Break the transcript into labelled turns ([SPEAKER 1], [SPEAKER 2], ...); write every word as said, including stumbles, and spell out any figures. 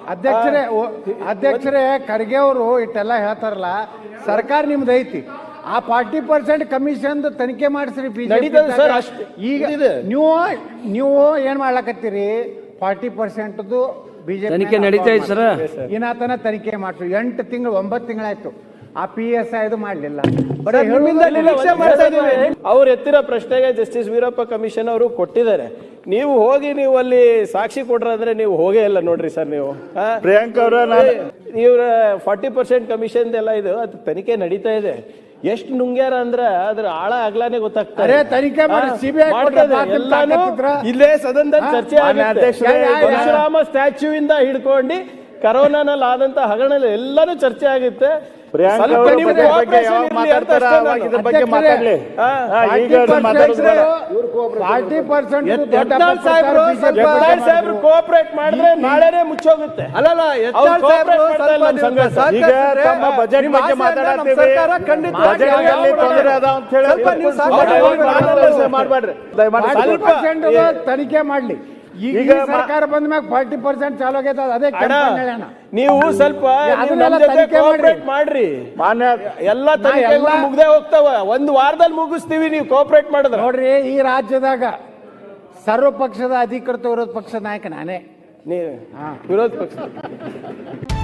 [SPEAKER 1] ಅಧ್ಯಕ್ಷರೇ ಅಧ್ಯಕ್ಷರೇ ಖರ್ಗೆ ಅವರು ಇಟ್ಟೆಲ್ಲ ಹೇಳ್ತಾರಲ್ಲ, ಸರ್ಕಾರ ನಿಮ್ದು ಐತಿ, ಆ ಫಾರ್ಟಿ ಪರ್ಸೆಂಟ್ ಕಮಿಷನ್ ತನಿಖೆ ಮಾಡಿಸ್ರಿ. ಈಗ ನೀವು ನೀವು ಏನ್ ಮಾಡ್ಲಕತ್ತೀರಿ? ಫಾರ್ಟಿ ಪರ್ಸೆಂಟ್ ಬಿಜೆಪಿ
[SPEAKER 2] ತನಿಖೆ ನಡೀತಾ ಇದೆ ಸರ್.
[SPEAKER 1] ಇನ್ನಾತನ ತನಿಖೆ ಮಾಡ್ಸು. ಎಂಟು ತಿಂಗಳು ಒಂಬತ್ತು ತಿಂಗಳಾಯ್ತು, ಆ ಪಿ ಎಸ್ ಐ ಇದು ಮಾಡ್ಲಿಲ್ಲ.
[SPEAKER 3] ಅವ್ರು ಎತ್ತಿರೋ ಪ್ರಶ್ನೆಗೆ ಜಸ್ಟಿಸ್ ವೀರಪ್ಪ ಕಮಿಷನ್ ಅವರು ಕೊಟ್ಟಿದ್ದಾರೆ. ನೀವು ಹೋಗಿ ನೀವು ಅಲ್ಲಿ ಸಾಕ್ಷಿ ಕೊಟ್ರಾದ್ರೆ ನೀವು ಹೋಗೇ ಇಲ್ಲ ನೋಡ್ರಿ ಸರ್. ನೀವು
[SPEAKER 4] ಪ್ರಿಯಾಂಕ ಅವರ
[SPEAKER 3] ಇವ್ರ ಫಾರ್ಟಿ ಪರ್ಸೆಂಟ್ ಕಮಿಷನ್ ಎಲ್ಲ ಇದು ಅದು ತನಿಖೆ ನಡೀತಾ ಇದೆ. ಎಷ್ಟು ನುಂಗ್ಯಾರ ಅಂದ್ರ ಅದ್ರ ಆಳ ಆಗ್ಲಾನೆ ಗೊತ್ತಾಗ್ತಾರೆ.
[SPEAKER 1] ತನಿಖೆ
[SPEAKER 3] ಇಲ್ಲೇ ಸದನದಲ್ಲಿ ಚರ್ಚೆ ಆಗುತ್ತೆ. ಪರಶುರಾಮ ಸ್ಟ್ಯಾಚ್ಯೂ ಇಂದ ಹಿಡ್ಕೊಂಡು ಕರೋನಾನಲ್ಲಿ ಆದಂತ ಹಗರಣ ಎಲ್ಲಾನು ಚರ್ಚೆ ಆಗುತ್ತೆ. ಕೋಆಪರೇಟ್ ಮಾಡಿದ್ರೆ ನಾಳೆನೆ ಮುಚ್ಚೋಗುತ್ತೆ.
[SPEAKER 4] ಅಲ್ಲಲ್ಲ, ಬಜೆಟ್ ಬಗ್ಗೆ ಮಾತಾಡ್ತೀವಿ, ತೊಂದರೆ ಅದ ಅಂತ ಹೇಳಿ ಮಾಡ್ಬೇಡ್ರಿ.
[SPEAKER 1] ತನಿಖೆ ಮಾಡ್ಲಿ. ಈಗ ಸರ್ಕಾರ ಬಂದ ಮ್ಯಾಗ ಫಾರ್ಟಿ ಪರ್ಸೆಂಟ್ ಚಾಲು ಆಗೈತೆ. ಅದೇ
[SPEAKER 3] ನೀವು ಸ್ವಲ್ಪ ಕೋಆಪರೇಟ್ ಮಾಡ್ರಿ.
[SPEAKER 4] ಮಾನ್ಯ
[SPEAKER 3] ಎಲ್ಲ ತನಿಖೆಗಳು ಮುಗ್ದೇ ಹೋಗ್ತಾವ. ಒಂದು ವಾರದಲ್ಲಿ ಮುಗಿಸ್ತೀವಿ ನೀವು ಕೋಆಪರೇಟ್ ಮಾಡಿದ್ರೆ.
[SPEAKER 1] ನೋಡ್ರಿ, ಈ ರಾಜ್ಯದಾಗ ಸರ್ವ ಪಕ್ಷದ ಅಧಿಕೃತ ವಿರೋಧ ಪಕ್ಷದ ನಾಯಕ ನಾನೇ.
[SPEAKER 3] ನೀವು ವಿರೋಧ ಪಕ್ಷ